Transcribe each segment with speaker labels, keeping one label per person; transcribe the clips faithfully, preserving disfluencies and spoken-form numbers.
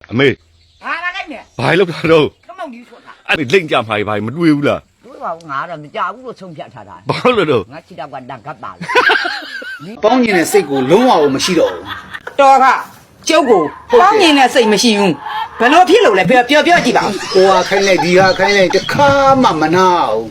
Speaker 1: အမေ
Speaker 2: ဟာလာလိုက်မယ်
Speaker 1: ဘာလို့တာတော့
Speaker 2: ခမောင်ကြီးဆိုတာ
Speaker 1: အဲ့လိမ့်ကြမှာဘာမတွေ့ဘူးလား
Speaker 2: တွေ့ပါဘူးငါတော့မကြဘူးလို့ဆုံးဖြတ်ထားတာ
Speaker 1: ဘာလို့တော့
Speaker 2: ငါချစ်တော့ကတန်ကပ်ပါလေ
Speaker 3: ပေါင်းကျင်တဲ့စိတ်ကိုလုံးဝမရှိတော့ဘူး
Speaker 2: တော်ကကျုပ်ကိုပေါင်းမြင်တဲ့စိတ်မရှိဘူးဘယ်လိုဖြစ်လို့လဲပြောပြောပြောကြည့်ပါဦး
Speaker 3: ဟိုဟာခိုင်းလိုက်ဒီဟာခိုင်းလိုက်တခါမှမနာဘူး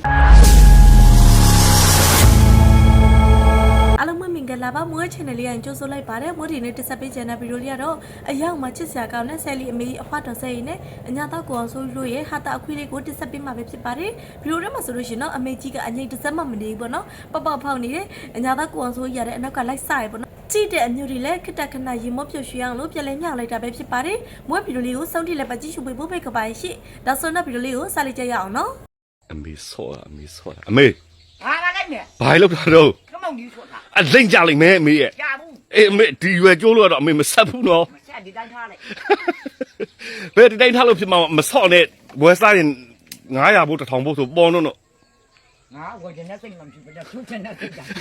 Speaker 4: အားလုံးမင်္ဂလာပါမွေး channel လေးရင်ကြိုဆိုလိုက်ပါတယ်မွေးဒီနေ့တက်ဆက်ပေးချင်တဲ့ဗီဒီယိုလေးကတော့အရောက်မှာချစ်စရာကောင်းတဲ့ဆယ်လီအမေအဖွားတော်ဆယ်ရီနဲ့အညာတော့ကိုအောင်ဆိုလို့ရဲ့ဟာတာအခွေးလေးကိုတက်ဆက်ပေးမှာပဲဖြစ်ပါတယ်ဗီဒီယိုထဲမှာဆိုလို့ရှိရင်တော့အမေကြီးကအငိမ့်တစ်စက်မှမနေဘူးပေါ့နော်ပေါက်ပေါက်ဖောက်နေတယ်အညာတော့ကိုအောင်ဆိုရတဲ့အနောက်ကလိုက်စရပေါ့နော်ကြည့်တဲ့အမျိုးတွေလည်းခက်တက်ခဏရေမော့ပြွှွှေအောင်လို့ပြလဲမြောက်လိုက်တာပဲဖြစ်ပါတယ်မွေးဗီဒီယိုလေးကိုစောင့်ကြည့်လိုက်ပါကြည့်ရှုပေးဖို့ဖိတ်ခပါရှိဒါဆိုတော့ဗီဒီယိုလေးကိုစလိုက်ကြရအောင်နော်
Speaker 1: အမေဆောအမေဆောအမေ
Speaker 2: ဟာလာလိုက်မယ်
Speaker 1: ဘာလို့တာတော့
Speaker 2: ခမောင်ကြီးဆိုတာ
Speaker 1: အလိမ့်ကြလိမ့်မယ်အမေရဲ့
Speaker 2: ကြာဘူး
Speaker 1: အေးအမေဒီရွယ်ကျိုးလို့တော့အမေမဆက်ဘူးနော်
Speaker 2: မဆက်ဒီတိုင်းထားလိုက်
Speaker 1: ဘယ်ဒီတိုင်းထားလို့ဖြစ်မှာမဆော့နဲ့ဝယ်စားရင်ငါးရာဘို့တစ်ထောင်ဘို့ဆိုပေါ်တော့တော့
Speaker 2: ငါဝယ်ချင်တဲ့စိတ်မှမရှိဘူးတဲ့သူ့ချင်တဲ့စိတ်က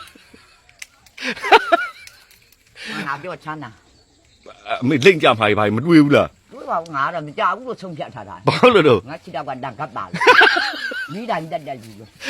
Speaker 2: ငါပြောချမ်းသာ
Speaker 1: အမေလိမ့်ကြမှာဘာမတွေ့ဘူးလား
Speaker 2: တွေ့ပါဘူးငါတော့မကြဘူးလို့ဆုံးဖြတ်ထားတာ
Speaker 1: ဘာလို့တော့
Speaker 2: ငါချစ်တော့ကတန်ကပ်ပါလေမိတိုင်းတက်တက်ကြီးလို့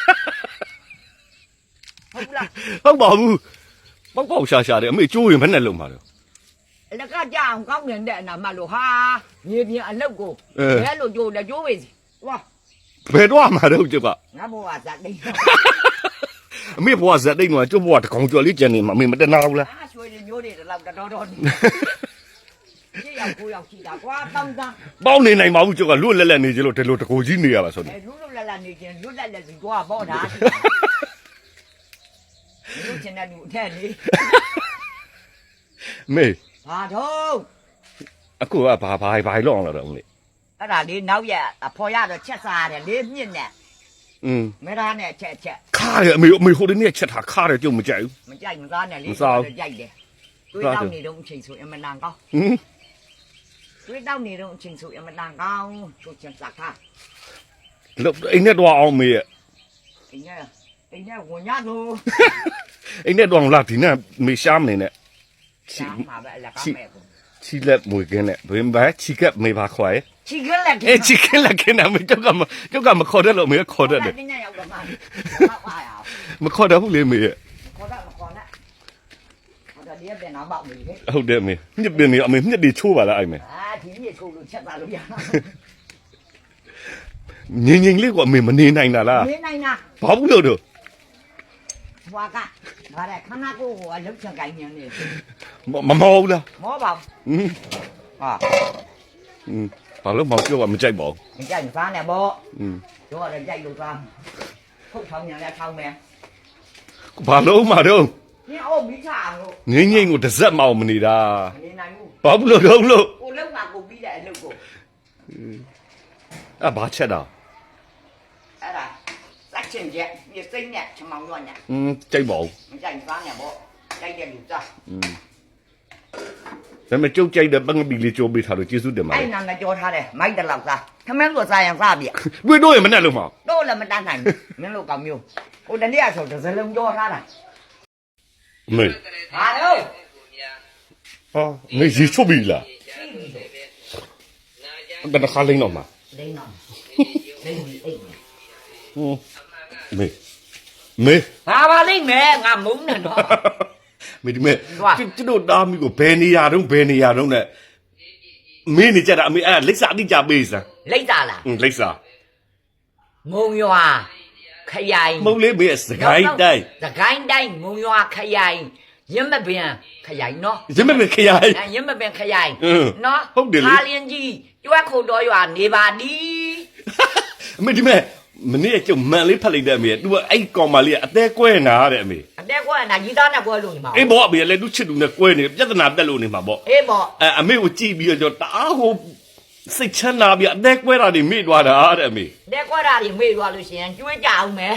Speaker 2: ဟုတ်လား
Speaker 1: ဟုတ်ပါဘူးပေါက်ပေါက်ရှာရှာတယ်အမေကျိုးရင်ဘယ်နဲ့လုံမှာလဲ
Speaker 2: လက်ကကြအောင်ကောင်းနေတဲ့အနာမလို့ဟာမြေပြင်အလုတ်ကိုဘယ်လိုကြိုးလဲကြိုးပဲစီဝါ
Speaker 1: ဘယ်တော့မှတော့ကျုပ်က
Speaker 2: ငါဘဝဇာတိတ်
Speaker 1: အမေဘဝဇာတိတ်တော့ကျုပ်ဘဝတကောင်ကျော်လေးကျန်နေမှာအမေမတနာဘူးလား
Speaker 2: အားရွှေတွေမျိုးတွေတော့တော်တော်နေရှေ့ရောက်ကိုရောက်ရှိတာကွာတောင်းတန်း
Speaker 1: ပေါင်းနေနိုင်ပါဘူးကျုပ်ကလွတ်လက်လက်နေကြလို့ဒီလိုတကိုကြီးနေရပါဆိုနေ
Speaker 2: လွတ်လွတ်လပ်လပ်နေခြင်းလွတ်လပ်လပ်စီကွာပေါ့တာလူချင်တဲ့လူအထက်လေ
Speaker 1: မေ
Speaker 2: ဘာတော့
Speaker 1: အခုကဘာဘာဘာလောက်အောင်လာတော့လေ
Speaker 2: အဲ့ဒါလေးနောက်ရအဖော်ရတော့ချက်စားရတယ်လေးမြင့်နဲ့
Speaker 1: อืม
Speaker 2: မဲသားနဲ့ချက်ချက်
Speaker 1: ခါရအမေအမေဟိုဒီနေ့ချက်ထားခါရကြုံမကြိုက်ဘူး
Speaker 2: မကြိုက်မသားနဲ့လေးတော့ကြိုက်တယ်တွေးတောက်နေတော့အချိန်ဆိုအမနန်ကောင်း
Speaker 1: ဟင်
Speaker 2: တွေးတောက်နေတော့အချိန်ဆိုအမနန်ကောင်းချိုးချင်စားခါ
Speaker 1: လို့အိမ်နဲ့တော့အောင်မေရဲ့
Speaker 2: အိမ်နဲ့အိမ်နဲ့ဝင်ရလို့
Speaker 1: အိမ်နဲ့တော့လာဒီနဲ့မေရှားမနေနဲ့
Speaker 2: ချီမှာပဲအလကားမဲ့ကို
Speaker 1: ချီလက်မွေကင်းနဲ့ဘယ်မှာချီကပ်မေပါခွာရဲ့
Speaker 2: ချီကလက်က
Speaker 1: အေးချီကလက်ကင်းမေကြောက်ကမကြောက်ကမခေါ်တယ်လို့မေခေါ်တယ်တယ်
Speaker 2: တင်းညရောက်တော့မှပါရ
Speaker 1: မခေါ်တယ်ဘူးလေမေရဲ့
Speaker 2: ခေါ်တာမခေါ်နဲ့ဟိုတည်းပြန်တော့ပေါ့လေ
Speaker 1: ဟုတ်တယ်မေမြစ်ပင်နေအမေမြစ်တွေချိုးပါလားအဲ့မေ
Speaker 2: အာဒီမြစ်ချိုးလို့ချက်သားလို့ရ
Speaker 1: ငင်းငင်းလေးကအမေမနေနိုင်တာလား
Speaker 2: နေနိုင်တာ
Speaker 1: ဘာဘူးလို့တော့
Speaker 2: ဘွာကဘာလဲခဏကိုဟိုအလုတ်ချကိုင်းနေနေ
Speaker 1: မမောဘူးလား
Speaker 2: မောပါ
Speaker 1: ဘူး
Speaker 2: ဟာ
Speaker 1: อืมဘာလို့မောပြောကမကြိုက်ပါဘူး
Speaker 2: မကြိုက်စားနဲ့ပေါ့
Speaker 1: อืม
Speaker 2: တို့ကလည်းကြိုက်လို့စားခုတ်ထောင်းညာလည်းထောင်းမယ်
Speaker 1: ဘာလို့မှတော့
Speaker 2: ညအိုမိချအောင်လို့
Speaker 1: ငင်းငင်းကိုတစ်စက်မအောင်မနေတာ
Speaker 2: မနေနိုင်ဘူး
Speaker 1: ဘာဘူးလို့တော့လို့
Speaker 2: ကိုလုံးကကိုပြီးတဲ့အလုပ်ကို
Speaker 1: အဲ့ဘာချက်တာ
Speaker 2: အဲ့ဒါစက်ချင်ချက်ပြစိမ့်နဲ့ချမောင်ရွည
Speaker 1: อืมကြိုက်ပါဦး
Speaker 2: မကြိုက်စားနဲ့ပေါ့ကြိုက်တဲ့လူစား
Speaker 1: อืมဒါမဲ့ကျုပ်ကြိုက်တဲ့ပန်းပီလေးကြိုးပေးထားလို့ကျေးဇူးတင်ပါတယ်
Speaker 2: အဲ့နာငါကြောထားတယ်မိုက်တလောက်စားခမင်းတို့စားရင်စားပြီ
Speaker 1: တွေ့တော့ရင်မနဲ့လို့မအောင်
Speaker 2: တော့လည်းမတန်းနိုင်ဘူးမင်းတို့ကောင်မျိုးဟိုတနေ့ကဆိုတစ်စလုံးကြောထားတာ
Speaker 1: မေ
Speaker 2: ဟာလို့
Speaker 1: ဟာမေရီချုပ်ပြီလားဘယ်နှခါလိမ့်တော့မှာ
Speaker 2: လိမ့်တော့လိမ့်ပြီအိတ်
Speaker 1: ဟိုမေမေ
Speaker 2: ဟာပါလိမ့်မယ်ငါမုန်းနေတော့
Speaker 1: မေဒီမေကျွတ်တို့တားမိကိုဘယ်နေရာတုန်းဘယ်နေရာတုန်းနဲ့မင်းနေကြတာအမေအဲ့လိပ်စာအတိကြပေးစမ်း
Speaker 2: လိပ်စာလား
Speaker 1: อืมလိပ်စာ
Speaker 2: ငုံရွာခရိုင်
Speaker 1: မုံလေးမေစကိုင်းတိုင်း
Speaker 2: စကိုင်းတိုင်းငုံရွာခရိုင်ရမပင်ခရိုင်နော်
Speaker 1: ရမပင်ခရိုင်
Speaker 2: ရမပင်ခရိုင်နော်
Speaker 1: ဟုတ်တယ်လေ
Speaker 2: ခါလင်းကြီးကျွတ်ခုတ်တော်ရွာနေပါဒီ
Speaker 1: အမေဒီမေမနေ့ကကျုံမန်လေးဖတ်လိုက်တဲ့အမေသူကအဲ့ကောင်မလေးကအသေးကွဲနာတဲ့အမေ
Speaker 2: အသေးကွဲနာကြီးသားနဲ့ကွဲလို့နေမှာ
Speaker 1: အေးဘောအမေလည်းသူချစ်သူနဲ့ကွဲနေပြဿနာတက်လို့နေမှာပေါ့
Speaker 2: အေးဘော
Speaker 1: အဲအမေကိုကြည့်ပြီးတော့တအားဟိုစိတ်ချမ်းသာပြီးအသေးကွဲတာတွေမေ့သွားတာတဲ့အမေ
Speaker 2: အသေးကွဲတာတွေမေ့သွားလို့ရှိရင်ကျွေးကြအောင်မယ်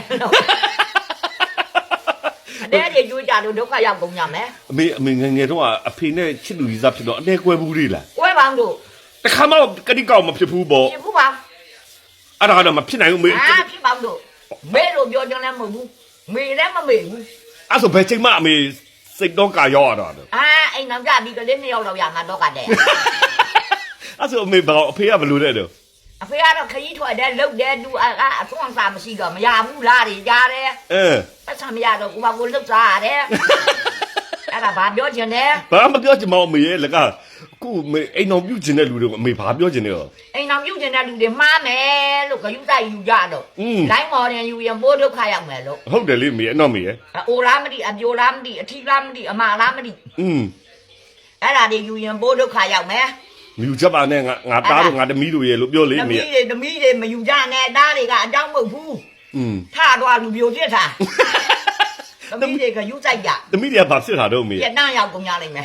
Speaker 2: အသေးတွေကျွေးကြလို့ဒုက္ခရောက်ကုန်ကြမယ်
Speaker 1: အမေအမေငယ်ငယ်တော့အဖေနဲ့ချစ်လူကြီးစားဖြစ်တော့အသေးကွဲဘူးလေလား
Speaker 2: ကွဲပါတို့
Speaker 1: တခါမှကတိကောက်မဖြစ်ဘူးပေါ့
Speaker 2: ဖြစ်ဘူးပါ
Speaker 1: အဲ့ဒါကတော့မဖြစ်နိုင်ဘူးမေ
Speaker 2: အာဖြစ်ပါတို့မေလို့ပြောကြလည်းမဟုတ်ဘူးမေလည်းမမေဘူး
Speaker 1: အဲ့ဆိုဘယ်ချိန်မှအမေစိတ်တော့ကာရောက်ရတော့
Speaker 2: အာအိမ်နောက်ကြပြီးကလေးနှစ်ယောက်တော့ရမှာတော့ကတဲ့
Speaker 1: ဆိုအမေဘာအဖေကဘလို့တဲ့တော့
Speaker 2: အဖေကတော့ခကြီးထွက်တယ်လှုပ်တယ်သူအဆွမ်းစားမရှိတော့မရဘူးလားတွေကြားတယ်
Speaker 1: အဲ
Speaker 2: ပတ်စံမရတော့ကိုမကိုလှုပ်စားရတယ်အဲ့ဒါဘာပြောချင်လဲ
Speaker 1: ဘာမပြောချင်မအောင်မေရဲ့လကခုမေအိမ်တော်ပြုတ်ချင်တဲ့လူတွေကိုအမေဘာပြောချင်နေရော
Speaker 2: အိမ်တော်ပြုတ်ချင်တဲ့လူတွေမှားမယ်လို့ဂယုတိုက်ယူကြတော့လိုင်းမော်ရင်ယူရင်ပိုးဒုက္ခရောက်မယ်လို့
Speaker 1: ဟုတ်တယ်လေမေအတော့မေရဲ့
Speaker 2: အိုလားမသိအပြိုလားမသိအထီးလားမသိအမလားမသိ
Speaker 1: อืม
Speaker 2: အဲ့ဒါတွေယူရင်ပိုးဒုက္ခရောက်မယ်
Speaker 1: မြူချက်ပါနဲ့ငါငါသားတို့ငါသမီးတို့ရဲ့လို့ပြောလေ
Speaker 2: တ
Speaker 1: မေ
Speaker 2: မီးတွေတမီးတွေမယူကြနဲ့တားတွေကအတောင်းမဟုတ်ဘူး
Speaker 1: อืม
Speaker 2: ထသွားလူပြိုပြစ်တာတမီးတွေကယူဆိုင်ကြ
Speaker 1: သမီးတွေကဘာဖြစ်တာတော့မေ
Speaker 2: ပြက်တန်းရောက်ကုန်ကြလိမ့်မယ်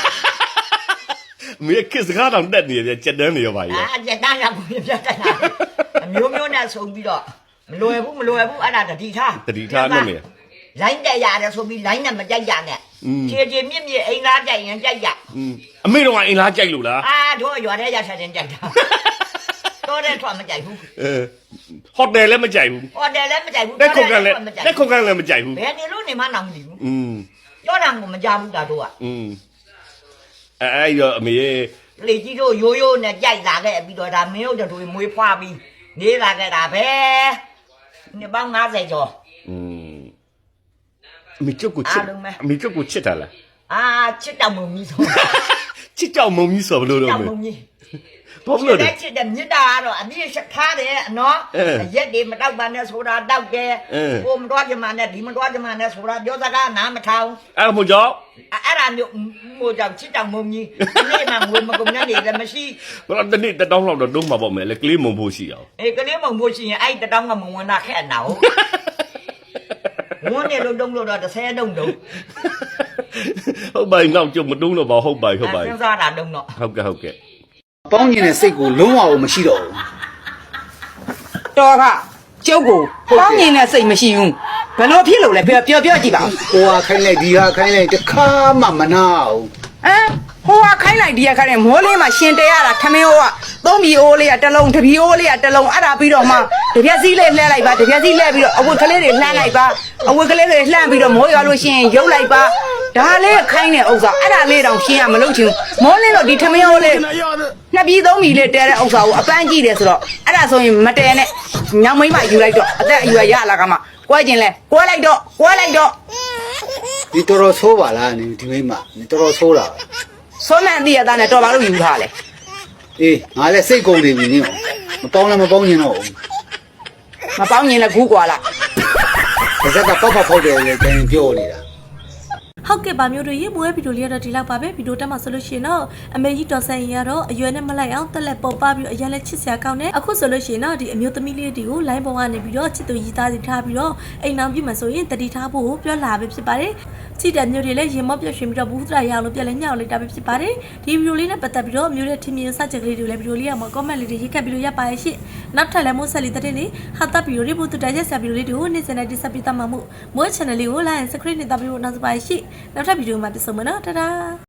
Speaker 1: မေကစ်စကားတော့တက်နေရဲ့ချက်တန်းနေရောပါရဲ့
Speaker 2: အာပြက်တန်းရောက်ကုန်ပြက်တန်းတာအမျိုးမျိုးနဲ့ဆုံပြီးတော့မလွယ်ဘူးမလွယ်ဘူးအဲ့ဒါတတိထား
Speaker 1: တတိထားနဲ့မေ
Speaker 2: လိုင်းတက်ရတယ်ဆိုပြီးလိုင်းနဲ့မကြိုက်ရနဲ့ခြေခြေမြင့်မြင့်အိမ်သားကြိုက်ရင်ကြိုက်ရ
Speaker 1: อืมအမေတော့အိမ်လားကြိုက်လို့လား
Speaker 2: အာတို့ရွာထဲရချက်တင်ကြိုက်တာတော့တဲ့ထွက်မကြိုက်ဘူး
Speaker 1: အဲဟိုတယ်လည်းမကြိုက်ဘူး
Speaker 2: ဟိုတယ်လည်းမကြိုက်ဘူး
Speaker 1: တက်ခုတ်ကန်လည်းတက်ခုတ်ကန်လည်းမကြိုက်ဘူး
Speaker 2: ဘယ်နေလို့နေမှတော့မသိဘူး
Speaker 1: อืม
Speaker 2: ပြောတာကိုမကြဘူးတာတို့က
Speaker 1: อืมအဲအဲ့ရောအမေရဲ့
Speaker 2: လေကြီးတို့ရိုးရိုးနဲ့ကြိုက်လာခဲ့ပြီးတော့ဒါမင်းတို့တို့မွေးဖွားပြီးနေလာခဲ့တာပဲနှစ်ပေါင်း၅၀ကျော်
Speaker 1: อืมအမေကျုပ်ကိုချစ်အမေကျုပ်ကိုချစ်တာလား
Speaker 2: အာချစ်တောင်မုံကြီးဆို
Speaker 1: ချစ်ကြောက်မုံကြီးဆိုဘလို့တော့
Speaker 2: တောင်
Speaker 1: မေ
Speaker 2: မုံကြီး
Speaker 1: ဘာလို့လဲ
Speaker 2: ချစ်တဲ့မြစ်တာကတော့အပြည့်ချက်ထားတယ်နော်ရက်တွေမတောက်ပါနဲ့ဆိုတာတောက်တယ်ကိုမတော်ကြမှာနဲ့ဒီမတော်ကြမှာနဲ့ဆိုတာပြောစကားနားမထောင်
Speaker 1: အဲ့မို့ကြောင့်
Speaker 2: အဲ့ဒါမျိုးမို့ကြောင့်ချစ်တောင်မုံကြီးဒီနေ့မှငွေမကုန်နဲ့နေလည်းမရှိ
Speaker 1: ဘာလို့တနေ့တတောင်းလောက်တော့တုံးမှာပေါ့မယ်လေကလေးမုံဖို့ရှိအောင်
Speaker 2: အေးကလေးမုံဖို့ရှိရင်အဲ့တတောင်းကမဝင်တာခက်နာဟုတ်ဝန်းနေလို့တုံးလို့တော့တစ်ဆယ်တုံးတုံး
Speaker 1: ဟုတ်ပါရင်တော့ကျုပ်မတုံးတော့ပါဟုတ်ပါဟုတ်ပါ
Speaker 2: စဉ်းစားတာတုံးတော့
Speaker 1: ဟုတ်ကဲ့ဟုတ်ကဲ့
Speaker 3: ပေါင်းကျင်တဲ့စိတ်ကိုလုံးဝမရှိတော့ဘူး
Speaker 5: တော်ကကျုပ်ကိုပေါင်းမြင်တဲ့စိတ်မရှိဘူးဘယ်လိုဖြစ်လို့လဲပြောပြောပြောကြည့်ပါဦး
Speaker 3: ဟိုဟာခိုင်းလိုက်ဒီဟာခိုင်းလိုက်တခါမှမနာဘူး
Speaker 5: ဟမ်ဟိုကခိုင်းလိုက်ဒီကခိုင်းလိုက်မိုးလေးမှာရှင်တဲရတာခမင်းဟိုကသုံးပြီအိုးလေးကတစ်လုံးတပြီအိုးလေးကတစ်လုံးအဲ့ဒါပြီးတော့မှတပြက်စီးလေးလှဲလိုက်ပါတပြက်စီးလှဲပြီးတော့အဝတ်ကလေးတွေလှမ်းလိုက်ပါအဝတ်ကလေးတွေလှမ်းပြီးတော့မိုးရွာလို့ရှိရင်ရုပ်လိုက်ပါဒါလေးခိုင်းတဲ့ဥစ္စာအဲ့ဒါလေးတောင်ရှင်းရမလို့ချင်မိုးလေးတော့ဒီခမင်းဟိုလေးနှစ်ပြီးသုံးပြီလေးတဲတဲ့ဥစ္စာကိုအပန်းကြည့်တယ်ဆိုတော့အဲ့ဒါဆိုရင်မတဲနဲ့ညောင်မိမယူလိုက်တော့အသက်အရွယ်ရလာကမှကွဲကျင်လဲကွဲလိုက်တော့ကွဲလိုက်တော့
Speaker 3: ဒီတော်တော်ဆိုးပါလားနေဒီမိမနေတော်တော်ဆိုးတာ
Speaker 5: ဆွမ်းမန်တည့်ရတာနဲ့တော်ပါလို့ယူထားလေ
Speaker 3: အေးငါလည်းစိတ်ကုန်နေပြီနင်းမပေါင်းလည်းမပေါင်းကျင်တော့ဘူး
Speaker 5: မပေါင်းရင်လည်းဂူးကွာလား
Speaker 3: ပါဇက်ကပေါက်ပေါက်ဖောက်တယ်လေတိုင်းပြောနေတာ
Speaker 4: ဟုတ်ကဲ့ပါမျိုးတို့ရေမွေးဗီဒီယိုလေးကတော့ဒီလောက်ပါပဲဗီဒီယိုတက်မှာဆိုလို့ရှိရင်တော့အမေကြီးတော်ဆန်ရင်ကတော့အရွယ်နဲ့မလိုက်အောင်တက်လက်ပေါ်ပပြီးအရင်လည်းချစ်စရာကောင်းတယ်အခုဆိုလို့ရှိရင်တော့ဒီအမျိုးသမီးလေးတွေကို line ပေါ်ကနေပြီးတော့ချစ်သူရည်သားစီထားပြီးတော့အိမ်အောင်ပြုမှဆိုရင်တတိထားဖို့ပြောလာပဲဖြစ်ပါတယ်ချစ်တဲ့မျိုးတွေလည်းရင်မော့ပြရွှင်ပြီးတော့ဘူးသရာရအောင်လို့ပြန်လဲညှောက်လိုက်တာပဲဖြစ်ပါတယ်ဒီဗီဒီယိုလေးနဲ့ပတ်သက်ပြီးတော့မျိုးတဲ့ထင်မြင်စကြက်ကလေးတွေလည်းဗီဒီယိုလေးကမှာ comment လေးတွေရေးခတ်ပြီးလို့ရပါရဲ့ရှင့်နောက်ထပ်လည်းမို့ဆက်လေးတဲ့လေးဟာတာဗီဒီယိုလေးပို့တူတိုက်ချက်ဆက်ဗီဒီယိုလေးတွေကိုနေ့စဉ်နဲ့တိဆက်ပြီးတတ်မှာမို့မို့ channel လေးကို like and subscribe နဲ့တပ်ပြီးတော့နောက်စပါရဲ့ရှင့်နောက်ထပ်ဗီဒီယိုမှာပြန်ဆုံမယ်နော်တာတာ